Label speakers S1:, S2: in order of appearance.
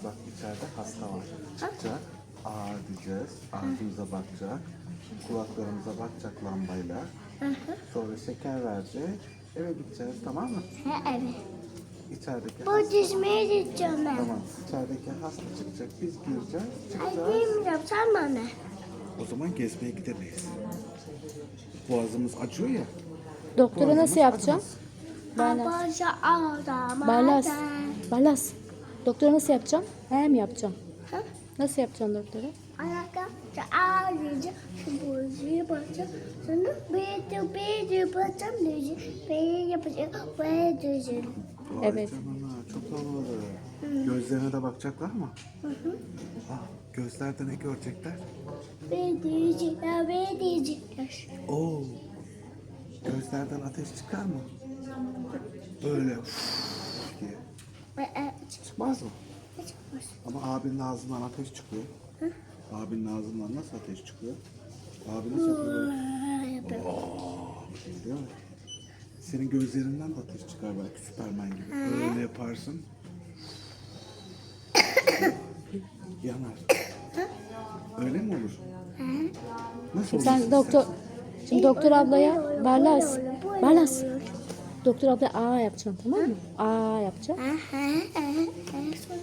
S1: bak içeride hasta var. Çıkacak. Aa diyeceğiz. Ağzımıza bakacak. Kulaklarımıza bakacak lambayla. Sonra şeker verecek. Eve gideceğiz, tamam mı?
S2: Evet.
S1: İçerideki
S2: Bu dizmeye gideceğim ben.
S1: Tamam. İçerideki hasta çıkacak. Biz gireceğiz.
S2: Ay
S1: Çıkacağız.
S2: bilmiyorum sen bana.
S1: O zaman gezmeye gidemeyiz. Boğazımız acıyor ya.
S3: Doktora
S1: Boğazımız
S3: nasıl yapacağım?
S1: acımaz.
S2: Abaca ağlama.
S3: Barlas. Barlas. Doktora nasıl yapacağım? He mi yapacağım?
S2: Ha?
S3: Nasıl yapacağım doktora?
S2: Ayakta ağlayacak. Şu bozuyu bakacak. Sonra bir bakacağım diyecek. Bir yapacak. Bir diyecek.
S1: Vay
S3: Evet.
S1: canına, çok havalı. Gözlerine de bakacaklar mı? Ah, gözlerde ne görecekler?
S2: Bir diyecekler. Bir diyecekler.
S1: Oo. Gözlerden ateş çıkar mı? Böyle üf diye. Çıkmaz mı? Ama abinin ağzından ateş çıkıyor. Abinin ağzından nasıl ateş çıkıyor? Abi nasıl yapıyor? Değil mi? Senin gözlerinden de ateş çıkar belki Süpermen gibi. Öyle yaparsın. Yanar. Öyle mi olur? Nasıl olur?
S3: Sen doktor... Şimdi doktor ablaya Barlas. Barlas. Doktor ablaya A yapacaksın, tamam mı? A yapacaksın.
S2: Sonra